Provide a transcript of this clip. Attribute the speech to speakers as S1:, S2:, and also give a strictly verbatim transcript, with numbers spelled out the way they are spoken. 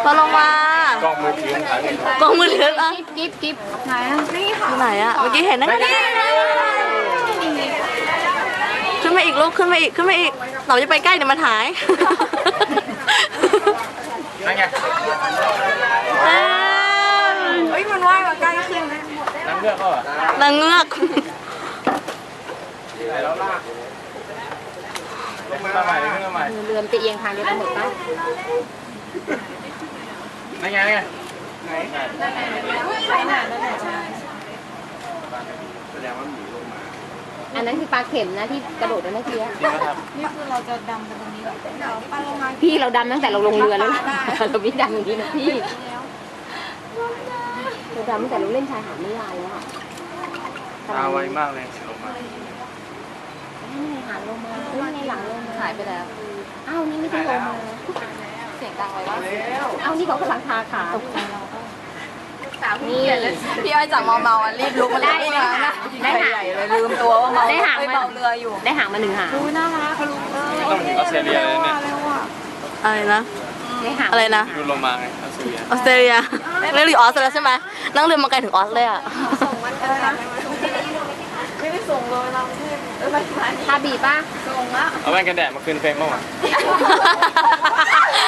S1: พอลงมาก
S2: ล้องมือถือถ่ายรูป
S1: กล้องมือถืออ่ะ
S3: กิ๊บกิ๊บไหนอ่ะนี่ค่ะ
S1: อยู่ไหนอะเมื่อกี้เห็นนั่นไงขึ้นมาอีกลูกขึ้นมาอีกขึ้นมาอีกเราจะไปใกล้เดี๋ยวมันหาย
S2: นั่นไง
S1: เอ้ย
S3: เฮ้ยมันว่ายมาใกล้ขึ้นนะ
S2: นั่งเลือกก็เหรอน
S1: างเงือก
S2: ไหนแล้วลากขึ้นมาใหม่ขึ้นมาใหม่
S3: เรือมันจะเอียงทางเดียวกันหมดป่ะ
S2: นั่นไงนั่นไงไหน
S3: ใช่น่ะนั่นแหละ
S2: แสดงว่าหมีลงมา
S3: อันนั้นคือปลาเข็มนะที่กระโดดไปเมื่อกี้
S2: จริงไหมครับ
S3: นี่คือเราจะดำไปตรงนี้แบบเดี๋ยวปลาลงมาพี่เราดำตั้งแต่เราลงเรือแล้วนะเราไม่ดำอย่างนี้นะพี่เราดำตั้งแต่เราเล่นชายหาดนิยายแล้วอะ
S2: ตาไวมากเลยลงมา
S3: หาลงมาเฮ้ยในหลังลงมาหายไปแล้วอ้าวนี่ไม่ต้องลงมาเสียงดังเลยว่าอ้าวนี่เขากำลังทาขานี่
S1: พี่อ้อยจากเมาเมารีบลุกมา
S3: ได้เลยนะได้หาง
S1: เลยลืมตัวว่าเมา
S3: ได้หาง
S1: เมาเรืออยู่
S3: ได้หางมาหนึ่งหาง
S1: ดูน่ารักลุง
S2: ไม่ต้องถึงออสเตรเลียเลยเนี่ย
S1: อะไรนะ
S3: ได้หาง
S1: อะไรนะ
S2: ดูลงมาไงออสเตรเลีย
S1: ออสเตรเลียเรียกอยู่ออสแล้วใช่ไหมนั่งเรือมาไกลถึงออสเลยอ่ะ
S3: ไม่ได้ส่งเลยเราทาบีป่ะส่งแล้ว
S2: เอาแว่นกันแดดมาคืนเฟรมบ้างวะ